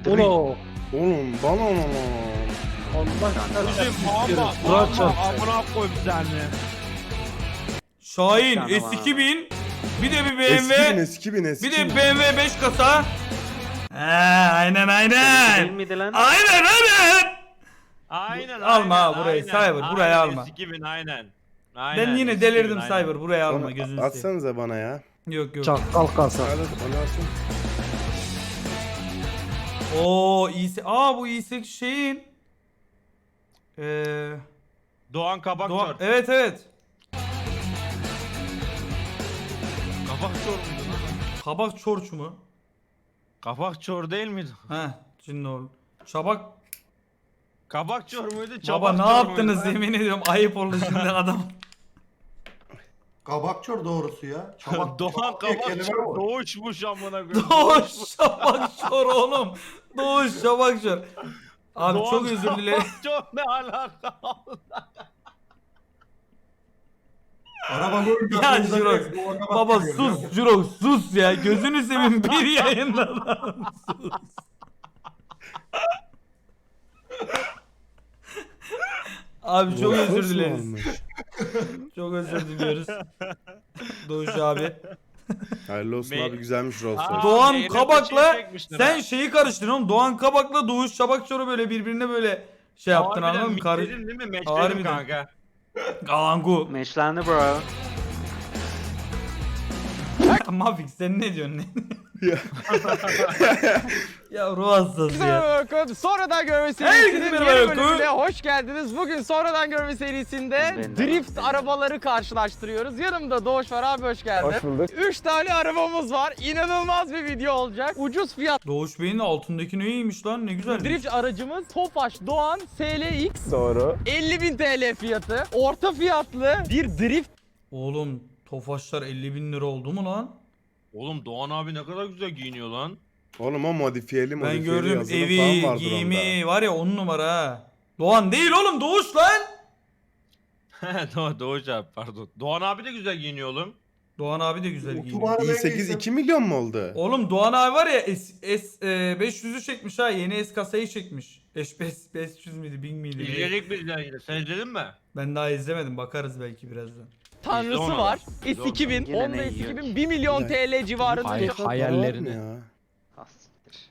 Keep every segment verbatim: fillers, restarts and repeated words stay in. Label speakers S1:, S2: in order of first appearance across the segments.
S1: Uno.
S2: Oğlum bana onu.
S1: Allah
S3: Bizim
S1: istiyorum.
S3: ama
S1: Murat
S3: ama
S1: çarpsın.
S3: amına koyayım seni.
S4: Şahin
S5: Bir tane
S4: S
S5: var.
S4: iki bin. Bir de bir
S2: Eski bin
S4: B M W.
S2: eski bin eski
S4: Bir de
S2: bin.
S4: B M W beş kasa. He aynen
S5: Değil
S4: aynen.
S5: miydi lan?
S4: Aynen aynen.
S3: Aynen
S4: Alma
S3: aynen,
S4: ha burayı,
S3: aynen,
S4: Cyber, burayı
S3: aynen,
S4: alma.
S3: S iki bin aynen. Aynen,
S4: Ben yine
S3: S iki bin,
S4: delirdim
S3: aynen.
S4: Cyber. Buraya alma
S2: Onu
S4: gözünü seveyim.
S2: atsanıza bana ya.
S4: Yok yok.
S1: Çakal kasa.
S2: Hadi onu alsın.
S4: Oo iyisi. Aa bu iyisi şeyin. Eee
S3: Doğan Kabak
S4: Doğa-
S3: Çor.
S4: Evet evet.
S3: Kabak Çor muydu?
S4: Kabak çorç mu?
S3: Kabak Çor değil miydi?
S4: Heh şimdi oldu. Çabak
S3: Kabak Çor muydu?
S4: baba
S3: Çabak
S4: ne
S3: Çor
S4: yaptınız
S3: muydu?
S4: yemin ediyorum ayıp oldu şimdi adam.
S6: Kabakçor doğrusu ya. Çabak,
S3: Doğan
S6: çabak diye
S3: Kabak
S6: kelime
S3: Çor
S6: var.
S3: doğuşmuş amına koyayım.
S4: Doğuş Şabak Şor oğlum. Doğuş Şabak Şor. Abi
S3: Doğan
S4: çok özür dilerim.
S3: Kabak Çor ne alaka?
S6: Araba böyle
S4: Ya
S6: yapınca
S4: Jirox.
S6: direkt Doğan Kabak
S4: Baba
S6: geliyor
S4: sus
S6: ya.
S4: Jirox sus ya. Gözünü seveyim bir yayında lan. Sus. Abi çok özür
S2: Nasıl
S4: dileriz.
S2: olmuş?
S4: Çok özür diliyoruz. Doğuş abi.
S2: Hayırlı olsun
S3: Me-
S2: abi güzelmiş Rolls
S3: Aa,
S2: Royce.
S4: Doğan
S3: Zeynep
S4: Kabak'la
S3: şey çekmişler
S4: sen
S3: ha.
S4: şeyi karıştırdın oğlum. Doğan Kabak'la Doğuş Şabakçor'u böyle birbirine böyle şey yaptın
S3: Harbiden
S4: anladın mı? Karı...
S3: mitledin değil mi? Meçledim
S4: Harbiden.
S3: kanka.
S4: Angu.
S5: Meşlendi bro.
S4: Mafik sen ne diyorsun? ya ruh hastası ya.
S7: Bakın sonradan görme
S4: Herkese
S7: serisinin
S4: merhaba
S7: yeni
S4: Yakut.
S7: bölümüne hoş geldiniz. Bugün sonradan görme serisinde
S5: Ben de
S7: drift
S5: hoş
S7: arabaları karşılaştırıyoruz. Yanımda Doğuş var abi, hoş geldin. Hoş bulduk. üç tane arabamız var. İnanılmaz bir video olacak. Ucuz fiyat
S4: Doğuş Bey'in de altındaki neymiş lan ne güzel.
S7: drift aracımız Tofaş Doğan S L X.
S1: Doğru.
S7: elli bin T L fiyatı. Orta fiyatlı bir drift
S4: Oğlum Tofaşlar elli bin lira oldu mu lan?
S3: Oğlum Doğan abi ne kadar güzel giyiniyor lan.
S2: Oğlum o modifiyeli
S4: Ben
S2: modifiyeli
S4: gördüm
S2: yazılım
S4: evi,
S2: falan vardır
S4: giyimi
S2: onda.
S4: var ya on numara ha. Doğan değil oğlum Doğuş lan.
S3: Doğan, Doğuş abi pardon. Doğan abi de güzel giyiniyor oğlum.
S4: Doğan abi de güzel giyiniyor.
S6: Otobanı
S2: i
S6: ben
S2: sekiz
S6: geçtim.
S2: iki milyon mu oldu?
S4: Oğlum Doğan abi var ya S, S e, beş yüzü çekmiş ha, yeni S kasayı çekmiş. beş yüz miydi bin miydi? ne?
S3: İzledik biz de yine. Sen izledin mi?
S4: Ben daha izlemedim, bakarız belki birazdan.
S7: tanrısı
S3: onu.
S7: var.
S3: Biz
S7: S
S3: onu.
S7: iki bin,
S5: Yine ne
S7: Honda S
S5: yiyor
S7: iki bin
S5: ki?
S7: bir milyon
S2: Ya.
S7: T L civarında.
S1: Hay-
S7: bir
S1: hayallerini.
S2: Ya.
S5: Hastiktir.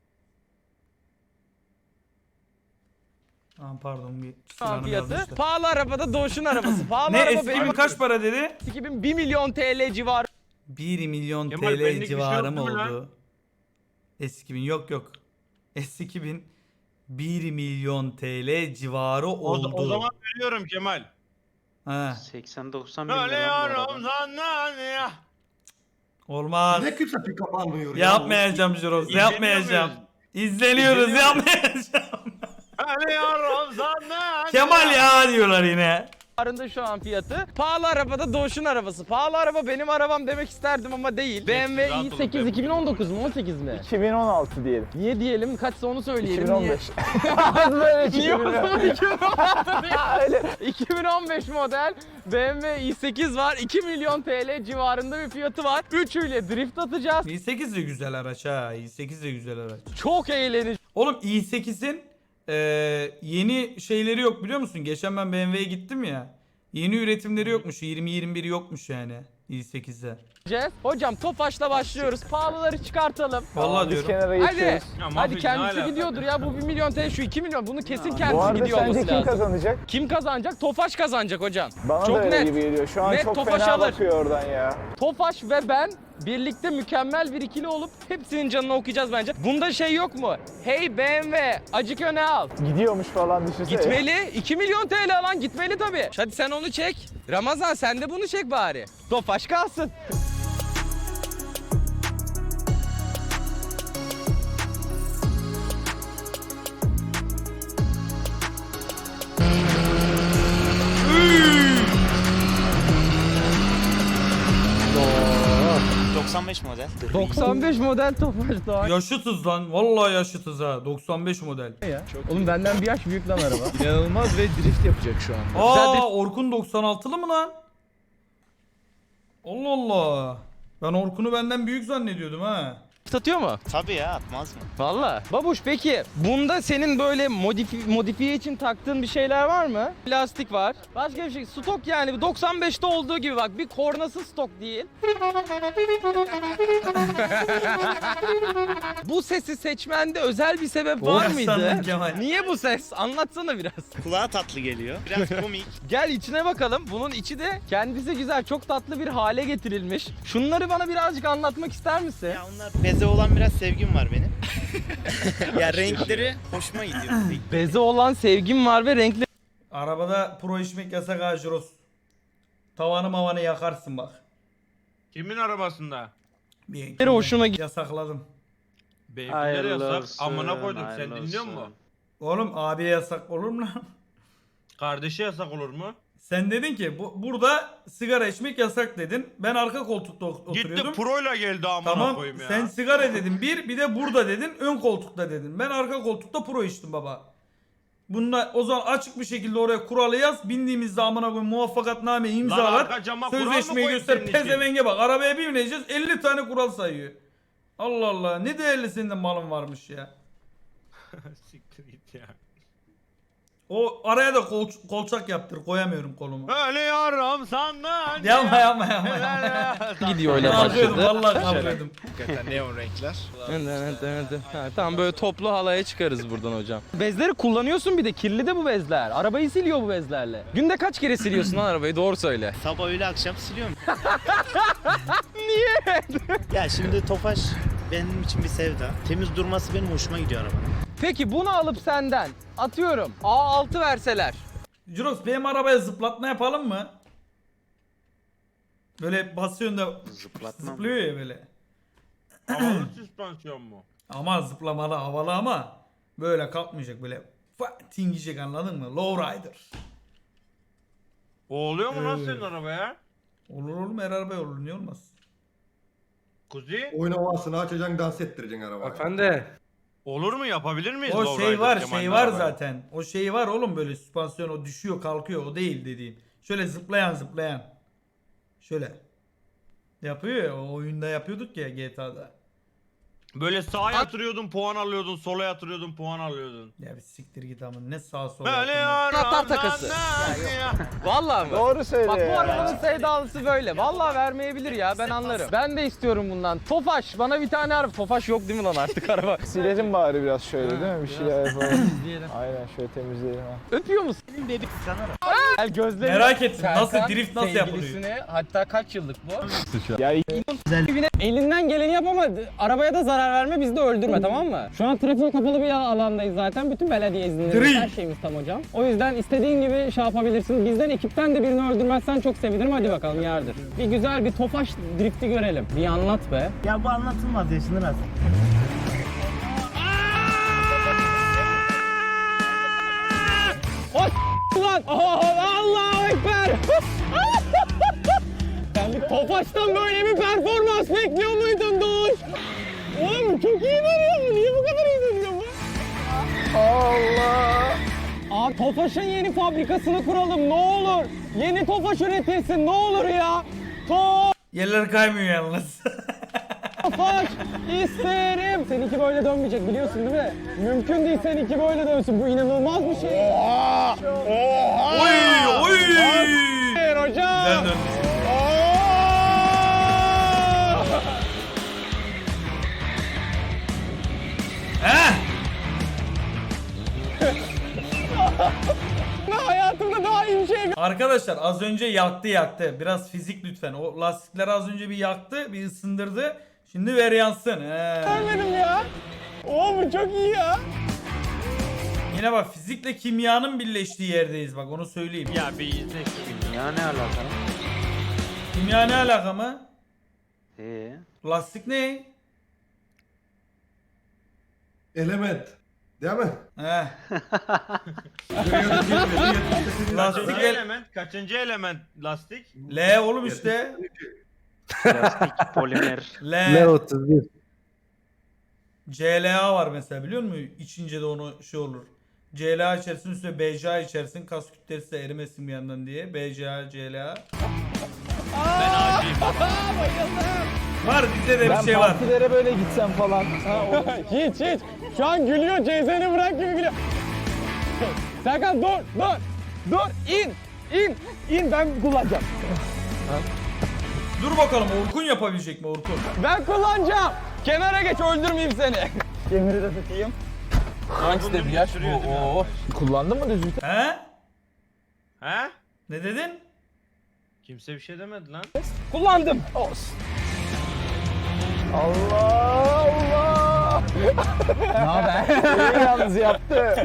S4: Aa, pardon bir
S7: Şu an
S4: silahını
S7: fiyatı.
S4: yazmışlar.
S7: Pahalı arabada Doğuş'un arabası. Pahalı
S4: Ne
S7: araba
S4: S
S7: benim
S4: iki bin kaç para dedi?
S7: S iki bin bir milyon T L civarı.
S4: bir milyon
S3: Kemal,
S4: T
S3: benlik
S4: L
S3: bir şey
S4: civarı
S3: yok
S4: mı
S3: değil mi lan?
S4: oldu? S iki bin yok yok. S iki bin bir milyon T L civarı
S3: O,
S4: oldu.
S3: o zaman veriyorum Kemal.
S4: Ha,
S5: seksen doksan bin lira lan bu
S3: Ölüyorum
S5: araba.
S3: sana ya.
S4: olmaz.
S6: Ne kimse pick-up almıyor ya.
S4: Yapmayacağım Jirox,
S3: İzleniyor
S4: yapmayacağım.
S3: muyuz?
S4: İzleniyoruz,
S3: İzleniyor
S4: yapmayacağım.
S3: Ölüyorum sana
S4: Kemal ya diyorlar yine.
S7: Civarında şu an fiyatı. Pahalı arabada Doğuş'un arabası. Pahalı araba benim arabam demek isterdim ama değil. B M W
S3: rahat
S7: i
S3: olun,
S7: sekiz
S3: ben
S7: iki bin on dokuz mu on sekiz mi?
S1: iki bin on altı diyelim.
S7: Niye diyelim? Kaçsa onu söyleyelim.
S1: iki bin on beş. Böyle
S7: Niye? Niye o zaman iki bin on altı değil?
S1: Öyle.
S7: iki bin on beş model B M W i sekiz var. iki milyon T L civarında bir fiyatı var. Üçüyle drift atacağız.
S4: i sekiz de güzel araç ha. i sekiz de güzel araç.
S7: Çok eğlenceli.
S4: Oğlum i sekizin e, yeni şeyleri yok biliyor musun? Geçen ben B M W'ye gittim ya. Yeni üretimleri yokmuş. yirmi yirmi bir yokmuş yani i sekizde.
S7: Hocam Tofaş'la başlıyoruz. Pahalıları çıkartalım.
S4: Vallahi
S1: Biz
S4: diyorum.
S1: kenara
S7: Hadi.
S1: geçiyoruz.
S3: Ya
S7: Hadi
S3: Mafik, ne
S7: kendisi
S3: alaka?
S7: gidiyordur ya. Bu bir milyon T L, şu iki milyon. Bunu kesin
S5: Bu
S1: Bu
S7: kendisi
S1: arada
S7: gidiyor
S1: sence
S7: olması
S1: kim
S7: lazım.
S1: kazanacak?
S7: Kim kazanacak? Tofaş kazanacak hocam.
S1: Bana
S7: Çok
S1: da öyle
S7: net.
S1: gibi geliyor. Şu an
S7: Net
S1: çok
S7: Tofaş
S1: fena
S7: alır.
S1: bakıyor oradan ya.
S7: Tofaş ve ben birlikte mükemmel bir ikili olup hepsinin canını okuyacağız bence. Bunda şey yok mu? Hey B M W, acık öne al.
S1: Gidiyormuş falan düşünsene.
S7: Gitmeli. iki milyon T L alan gitmeli tabii. Hadi sen onu çek. Ramazan sen de bunu çek bari. Tofaş kalsın.
S8: doksan beş model.
S7: doksan beş model Tofaş Doğan.
S4: Yaşıtız lan. Vallahi yaşıtız ha. doksan beş model.
S7: Oğlum benden bir yaş büyük lan araba.
S1: İnanılmaz ve drift yapacak şu an.
S4: Aa Orkun doksan altılı mı lan? Allah Allah. Ben Orkun'u benden büyük zannediyordum ha.
S7: satıyor mu?
S8: Tabii ya, atmaz mı?
S7: Valla. Babuş peki bunda senin böyle modifi modifiye için taktığın bir şeyler var mı? Plastik var. Başka bir şey. Stok yani doksan beşte olduğu gibi bak bir kornası stok değil. Bu sesi seçmende özel bir sebep var
S4: Oğlum
S7: mıydı?
S4: sandın Kemal.
S7: Niye bu ses? Anlatsana biraz.
S8: Kulağa tatlı geliyor. Biraz komik.
S7: Gel içine bakalım. Bunun içi de kendisi güzel, çok tatlı bir hale getirilmiş. Şunları bana birazcık anlatmak ister misin?
S8: Ya onlar beze olan biraz sevgim var benim. Ya renkleri hoşuma gidiyor.
S7: Beze olan sevgim var ve renkli
S4: Arabada pro içmek yasak ha Jiros. Tavanı mavanı yakarsın bak.
S3: Kimin arabasında?
S4: Bir
S7: hoşuma gidiyor.
S4: Yasakladım.
S3: Beyefendi de yasak.
S5: Hayırlı
S3: Amına
S5: olsun,
S3: koydum. Sen
S5: hayırlı
S3: dinliyor musun?
S5: olsun.
S4: Oğlum abiye yasak olur mu lan?
S3: Kardeşi yasak olur mu?
S4: Sen dedin ki bu, burada sigara içmek yasak dedin. Ben arka koltukta ot- oturuyordum.
S3: Gitti proyla geldi amına
S4: Tamam
S3: koyayım ya.
S4: sen sigara dedin bir bir de burada dedin ön koltukta dedin. Ben arka koltukta pro içtim baba. Bunda o zaman açık bir şekilde oraya kuralı yaz. Bindiğimizde amına koyayım muvaffakatname
S3: Lan
S4: imzalar.
S3: arka cama kural mı
S4: Sözleşmeyi
S3: koyayım
S4: göster
S3: senin için?
S4: pezevenge bak. Arabaya bir bineceğiz elli tane kural sayıyor. Allah Allah ne değerli senin de malın varmış ya.
S3: Siktir git ya.
S4: O araya da kol, kolçak yaptır koyamıyorum kolumu.
S3: Ölüyorum sandın.
S4: Yapma yapma yapma. yapma.
S7: gidiyor öyle
S4: Kalkıyordum
S7: başladı.
S4: vallahi kalkıyordum.
S8: Hakikaten neon renkler.
S7: Evet, evet, evet. Ha, tamam böyle toplu halaya çıkarız buradan hocam. Bezleri kullanıyorsun bir de kirli de bu bezler. Arabayı siliyor bu bezlerle. Günde kaç kere siliyorsun lan arabayı doğru söyle.
S8: Sabah öğle akşam siliyorum. Niye? Ya şimdi Tofaş benim için bir sevda. Temiz durması benim hoşuma gidiyor arabanın.
S7: Peki bunu alıp senden atıyorum A altı verseler.
S4: Juros benim arabaya zıplatma yapalım mı? Böyle basıyorsun da
S5: Zıplatmam.
S4: zıplıyor ya böyle.
S3: Havalı süspansiyon mu?
S4: Ama zıplamalı havalı ama böyle kalkmayacak böyle fa- tingiyecek anladın mı? Lowrider.
S3: O oluyor mu lan
S4: Evet.
S3: senin arabaya?
S4: Olur oğlum her arabaya olur niye olmaz?
S3: Kuzi?
S6: Oyun havasını açacaksın, dans ettireceksin arabayı.
S1: Efendi.
S3: Olur mu? Yapabilir miyiz?
S4: O
S3: Lowrider
S4: şey var
S3: Kemal'in
S4: şey var
S3: arabaya?
S4: zaten. O şey var oğlum böyle süspansiyon o düşüyor kalkıyor o değil dediğim. Şöyle zıplayan zıplayan. Şöyle. Yapıyor ya o oyunda yapıyorduk ya G T A'da.
S3: Böyle sağa yatırıyordun puan alıyordun, sola yatırıyordun puan alıyordun.
S4: Ya bir siktir git ama ne sağa sola
S3: Böyle
S4: yapıyorsun.
S7: Anahtar takası. Vallahi mı?
S1: Doğru söyle
S7: Bak bu
S1: ya.
S7: arabanın sevdalısı böyle. Vallahi vermeyebilir ya ben anlarım. Ben de istiyorum bundan. Tofaş bana bir tane araba. Tofaş yok değil mi lan artık araba?
S1: Silelim bari biraz şöyle değil mi? Bir şeyler yapalım.
S7: Diyelim.
S1: Aynen şöyle temizleyelim ha.
S7: Öpüyor musun?
S8: Dedik sanırım.
S7: Gel gözlerini.
S4: Merak ettim nasıl
S7: Serkan
S4: drift nasıl yapılıyor?
S7: sevgilisine, hatta kaç yıllık bu?
S1: Ya
S9: Elinden geleni yap ama arabaya da zarar verme, bizi de öldürme, tamam mı? Şu an trafiğe kapalı bir alandayız zaten. Bütün belediye izinleri,
S4: Drift.
S9: her şeyimiz tam hocam. O yüzden istediğin gibi şey yapabilirsin. Bizden ekipten de birini öldürmezsen çok sevinirim. Hadi bakalım yardır. Bir güzel bir Tofaş drifti görelim. Bir anlat be.
S8: Ya bu anlatılmaz yaşını nasıl?
S9: Ulan! Oh, Allahu Ekber! Sen bir Tofaş'tan böyle bir performans bekliyor muydun Doğuş? Oğlum çok iyi dönüyor bu. Niye bu kadar iyi dönüyor bu? Allah! Abi Tofaş'ın yeni fabrikasını kuralım ne olur. Yeni Tofaş üretilsin ne olur ya.
S4: Yerler kaymıyor yalnız.
S9: Tofaş isterim. Seninki böyle dönmeyecek biliyorsun değil mi? Mümkün değil seninki böyle dönsün. Bu inanılmaz bir şey. Oha!
S4: Oy oy.
S9: Hayır hocam.
S4: Güzel döndü. Heh.
S9: Hayatımda daha iyi bir şey
S4: Arkadaşlar az önce yaktı yaktı. Biraz fizik lütfen. O lastikleri az önce bir yaktı, bir ısındırdı. Şimdi ver yansın. He.
S9: görmedim ya. Oo bu çok iyi ya.
S4: Yine bak fizikle kimyanın birleştiği yerdeyiz bak onu söyleyeyim.
S3: Ya bir izle şu.
S5: Ya ne alaka?
S4: Kimya ne alaka mı?
S5: Ee,
S4: Lastik ne?
S6: Element. Değil mi?
S4: He.
S6: Lastik.
S4: Lastik
S3: Kaçıncı
S4: el...
S3: element? Kaçıncı element lastik?
S4: L oğlum işte.
S5: plastik, polimer.
S4: L.
S1: otuz bir.
S4: C L A var mesela biliyor musun? İçince de onu şey olur. C L A içersin üstüne B C A içersin kas kütlesi de erimesin bir yandan diye. B C A, C L A.
S3: Ben acıyım.
S9: Bayıldım.
S4: Var bizde de bir
S1: Ben
S4: şey var.
S1: partilere böyle gitsem falan. Ha, o-
S9: hiç hiç. Şu an gülüyor. Cezeni bırak gibi gülüyor. Serkan dur dur. Dur in. İn. İn ben kullanacağım.
S4: Dur bakalım Orkun yapabilecek mi Orkun?
S9: Ben kullanacağım. Kenara geç öldürmeyeyim seni. Kemeri de tutayım. Hangisi de bir yaş?
S3: Sürüyor değil mi?
S9: Oo.
S1: Kullandın mı düz vites?
S4: He?
S3: He?
S4: Ne dedin?
S3: Kimse bir şey demedi lan.
S9: Kullandım.
S1: Olsun. Allah Allah.
S9: Ne haber?
S1: İyi yalnız yaptı.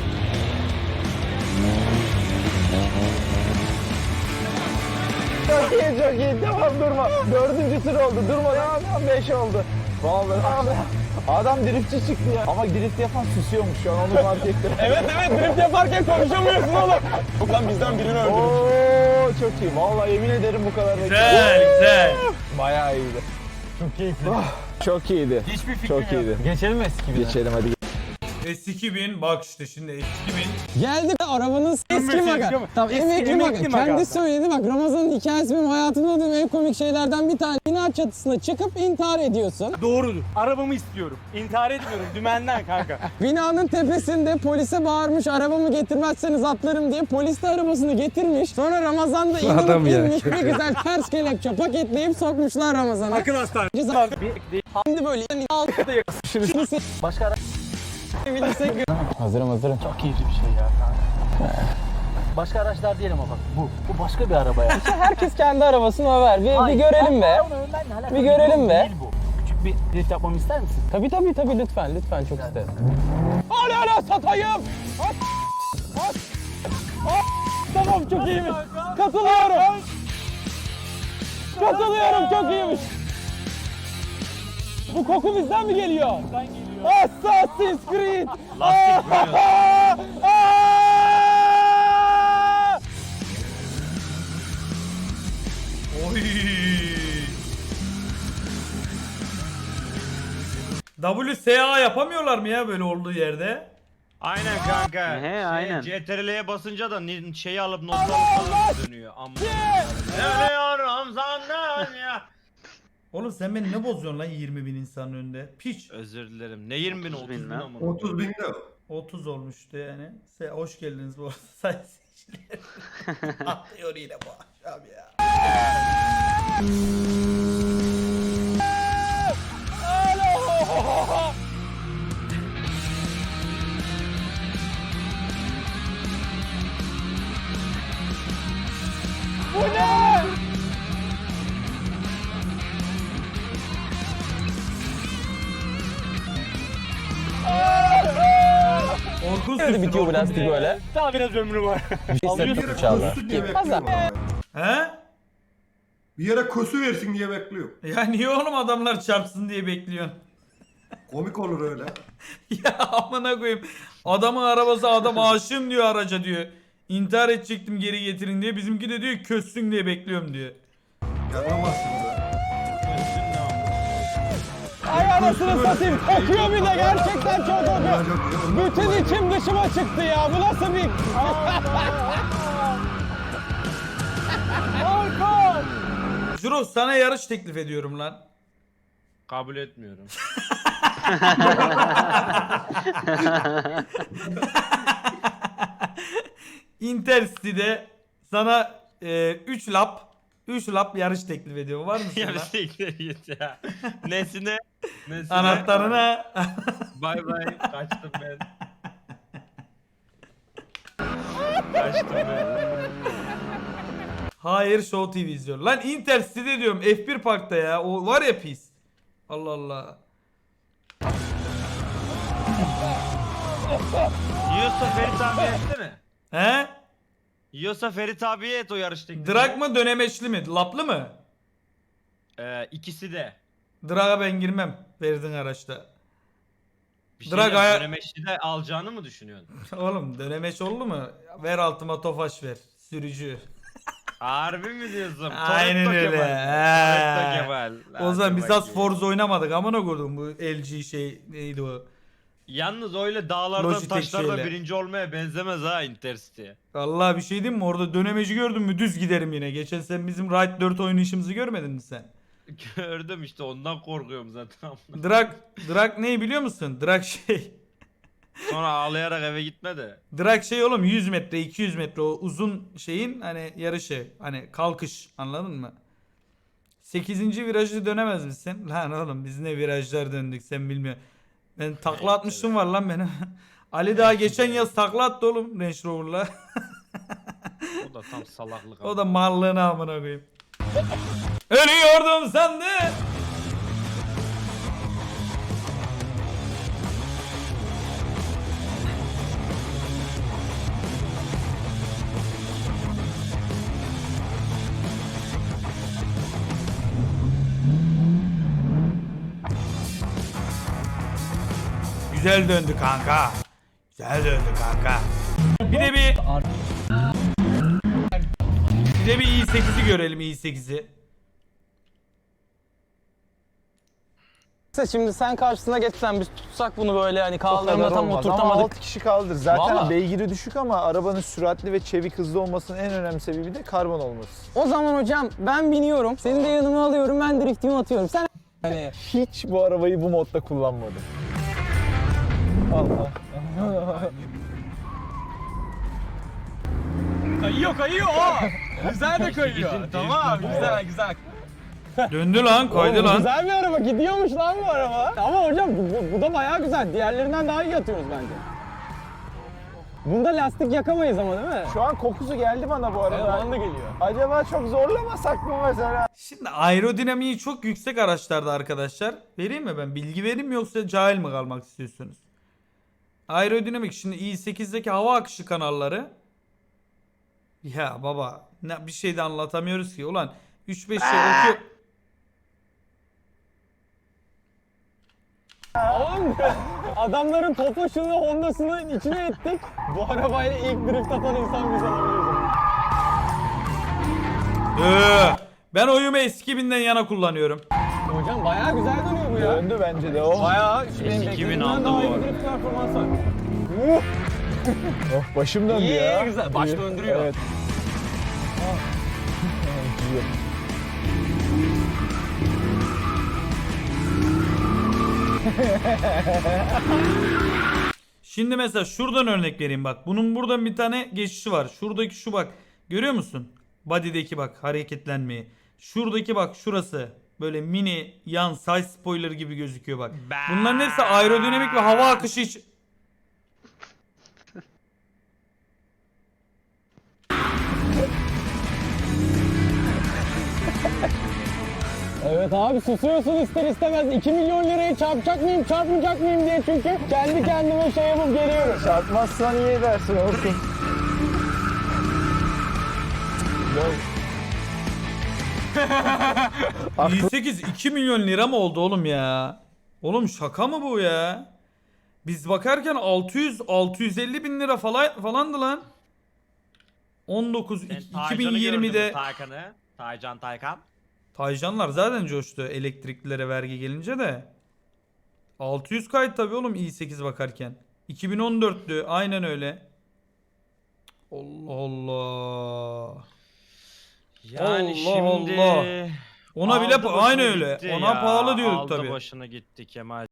S1: Çok iyi çok iyi. Devam durma. Dördüncü tur oldu. Durma. Devam devam. Beş oldu. Vallahi abi. Adam driftçi çıktı ya. Ama drift yapan susuyormuş şu an onu fark ettim.
S9: Evet evet drift yaparken konuşamıyorsun oğlum. Yok lan bizden birini öldürdüm.
S1: Oo çok iyi. Vallahi yemin ederim bu kadar
S4: Güzel güzel.
S1: Bayağı iyiydi.
S9: Çok keyifli.
S1: Çok iyiydi.
S9: Hiçbir fikrim
S1: Çok iyiydi.
S9: Geçelim eski bir.
S1: Geçelim hadi.
S4: S iki bin bak işte şimdi S iki bin.
S9: Geldi arabanın eski maga. Tamam emekli maga. Kendi söyledi bak Ramazan'ın hikayesi benim hayatımda duyduğum en komik şeylerden bir tane. Bina çatısına çıkıp intihar ediyorsun.
S10: Doğrudur. Arabamı istiyorum. İntihar etmiyorum. Dümenden kanka.
S9: Binanın tepesinde polise bağırmış arabamı getirmezseniz atlarım diye. Polis de arabasını getirmiş. Sonra Ramazan'da indirip inmiş bir güzel ters kelepçe paketleyip sokmuşlar Ramazan'a.
S10: Akıl hastanesi.
S9: Şimdi böyle altta yakışırız.
S10: Başka ara...
S9: Hazırım hazırım.
S10: Çok keyifli bir şey ya kanka. Başka araçlar diyelim ama bak. Bu. Bu başka bir araba ya.
S9: Herkes kendi arabasını över. Bir, bir
S10: Hayır,
S9: görelim be.
S10: ben- ben- benimle alakalı
S9: Bir görelim be.
S10: Değil bu. Küçük bir drift yapmamı ister misin?
S9: Tabii tabii tabii lütfen lütfen çok isterim. Hala hala satayım. At, at, at. Tamam çok iyiymiş. Katılıyorum. Katılıyorum çok iyiymiş. Bu koku bizden mi geliyor? Bizden geliyor. Assassin's Creed.
S3: Lastik böyle.
S4: Oy. W S A yapamıyorlar mı ya böyle olduğu yerde?
S3: Aynen kanka.
S5: He,
S3: Şey,
S5: aynen.
S3: C T R L'ye basınca da ni- şeyi alıp notları falan dönüyor. Amma. Ölüyorum senden ya.
S4: Oğlum sen beni ne bozuyorsun lan yirmi bin insanın önünde? Piç.
S3: Özür dilerim. Ne yirmi bin
S5: otuz
S3: otuz
S5: bin
S3: bin
S5: lan.
S3: ama.
S6: otuz binde o.
S4: otuz olmuştu yani. Se hoş geldiniz bu arada sayın seyirciler. Atlıyor yine bu akşam ya.
S9: Bu ne?
S4: Orkun
S9: Nerede
S4: sürsün,
S9: bitiyor bu
S4: Orkun
S9: lastik
S4: bir-
S9: böyle?
S10: Daha biraz ömrü var.
S9: Bir
S6: Bir yere kosu diye bekliyorum arabaya.
S4: He?
S6: Bir yere kosu versin diye bekliyorum.
S4: Ya niye oğlum adamlar çarpsın diye bekliyorsun?
S6: Komik olur öyle.
S4: Ya amına koyayım. Adamın arabası adam aşığım diyor araca diyor. İntihar edecektim geri getirin diye. Bizimki de diyor kössün diye bekliyorum diyor.
S6: Yapamazsın da.
S9: Ay anasını satayım. Kokuyor bir de gerçekten çok kokuyor. Bütün içim dışıma çıktı ya. Bu nasıl bir... Orkun!
S4: Juros sana yarış teklif ediyorum lan.
S3: Kabul etmiyorum.
S4: Intercity'de sana üç lap üç lap yarış teklif ediyorum. Var mısın
S3: Yani
S4: lan?
S3: siktir git ya. Nesine? Nesine?
S4: Anahtarına.
S3: Bay bay. Kaçtım ben. Kaçtım ben.
S4: Hayır Show T V izliyor. Lan Intercity'de diyorum F bir Park'ta ya. O var ya pis. Allah Allah.
S3: Yiyorsa Ferit abi etsene.
S4: He?
S3: Yiyorsa Ferit abiye et o yarış tekniği.
S4: Drag mı dönemeçli mi? Laplı mı?
S3: Ee, ikisi de.
S4: Drag'a ben girmem. Verdin araçta.
S3: Bir
S4: Drag
S3: şey
S4: aya-
S3: dönemeçli de alacağını mı düşünüyorsun?
S4: Oğlum dönemeç oldu mu? Ver altıma tofaş ver. Sürücü.
S3: Harbi mi diyorsun?
S4: Aynen
S3: Toretto
S4: öyle.
S3: Kemal.
S4: He.
S3: Toretto Kemal.
S4: O zaman
S3: Hadi
S4: biz az
S3: bakayım.
S4: Forza oynamadık. Amına koydum bu L G şey neydi o?
S3: Yalnız öyle dağlardan
S4: Logitech
S3: taşlardan
S4: şeyle.
S3: birinci olmaya benzemez ha Intercity.
S4: Vallahi bir şey diyeyim mi? Orada dönemeci gördün mü düz giderim yine. Geçen sen bizim Ride dört oynayışımızı görmedin mi sen?
S3: Gördüm işte ondan korkuyorum zaten.
S4: Drag, drag ne biliyor musun? Drag şey.
S3: Sonra ağlayarak eve gitme de.
S4: Drag şey oğlum yüz metre iki yüz metre o uzun şeyin hani yarışı. Hani kalkış anladın mı? sekizinci virajı dönemez misin? Lan oğlum biz ne virajlar döndük sen bilmiyorsun. Ben takla atmıştım var lan benim. Ali daha geçen yaz takla attı oğlum Range Rover'la.
S3: O da tam salaklık.
S4: O da mallığını amına koyayım. Ölüyordum sandım. Güzel döndü kanka. Güzel döndü kanka. Bir de bir Bir de bir i sekizi görelim i sekizi.
S9: Şimdi sen karşısına geçsen biz tutsak bunu böyle hani kaldırımda tam
S1: Ama
S9: oturtamadık.
S1: altı kişi kaldır. Zaten
S9: Vallahi.
S1: beygiri düşük ama arabanın süratli ve çevik hızlı olmasının en önemli sebebi de karbon olması.
S9: O zaman hocam ben biniyorum. Seni de yanıma alıyorum. Ben driftimi atıyorum. Sen hani
S1: Hiç bu arabayı bu modda kullanmadım. Allah.
S9: kayıyor kayıyor o. Güzel de kayıyor. Tamam güzel güzel.
S4: Döndü lan, kaydı
S9: Oğlum,
S4: lan.
S9: güzel bir araba. Gidiyormuş lan bu araba. Ama hocam bu, bu, bu da bayağı güzel. Diğerlerinden daha iyi atıyoruz bence. Bunda lastik yakamayız ama değil mi?
S1: Şu an kokusu geldi bana bu arada.
S9: Evet, bana da geliyor.
S1: Acaba çok zorlamasak mı mesela?
S4: Şimdi aerodinamiği çok yüksek araçlarda arkadaşlar. Vereyim mi ben? Bilgi vereyim mi yoksa cahil mi kalmak istiyorsunuz? Aerodinamik şimdi i sekizdeki hava akışı kanalları. Ya baba ne, bir şey de anlatamıyoruz ki. Ulan üç beş şey okuyor.
S9: Oğlum adamların Tofaş'ını, Honda'sını içine ettik. Bu arabayla ilk drift atan insan biz olabiliriz.
S4: Ee, ben oyumu eski binden yana kullanıyorum.
S9: Hocam bayağı güzel dönüyor bu ya.
S1: Döndü bence de o.
S9: Bayağı şu benim
S3: iki bin
S9: beklediğimden
S3: aldı
S9: daha
S3: bu
S9: iyi bir
S3: arada.
S9: drift performansı var.
S1: Oh, başım döndü
S9: İyi,
S1: ya.
S9: güzel. Baş
S1: İyi.
S9: döndürüyor.
S1: Evet.
S4: Şimdi mesela şuradan örnek vereyim bak. Bunun buradan bir tane geçişi var. Şuradaki şu bak. Görüyor musun? Body'deki bak hareketlenmeyi. Şuradaki bak şurası. Böyle mini yan side spoiler gibi gözüküyor bak. Bunların hepsi aerodinamik ve hava akışı için.
S9: Evet abi susuyorsun ister istemez. iki milyon lirayı çarpacak mıyım, çarpmayacak mıyım diye çünkü kendi kendime şey yapıp geliyorum.
S1: Çarpmazsan iyi edersin olsun.
S4: i sekiz iki milyon lira mı oldu oğlum ya? Oğlum şaka mı bu ya? Biz bakarken altı yüz altı yüz elli bin lira falan falandı lan. on dokuz
S3: Sen
S4: iki bin
S3: Taycan'ı gördün mü,
S4: yirmide
S3: Taycan'ı. Taycan Taykan.
S4: Taycanlar zaten coştu elektriklilere vergi gelince de. altı yüz kayıt tabii oğlum i sekiz bakarken. iki bin on dörttü aynen öyle. Allah Allah.
S3: Yani
S4: Allah
S3: şimdi
S4: Allah. Ona bile
S3: aldı
S4: pa- aynı
S3: başını
S4: öyle.
S3: gitti
S4: Ona
S3: ya,
S4: pahalı diyorduk
S3: aldı
S4: tabii.
S3: başını gitti Kemal.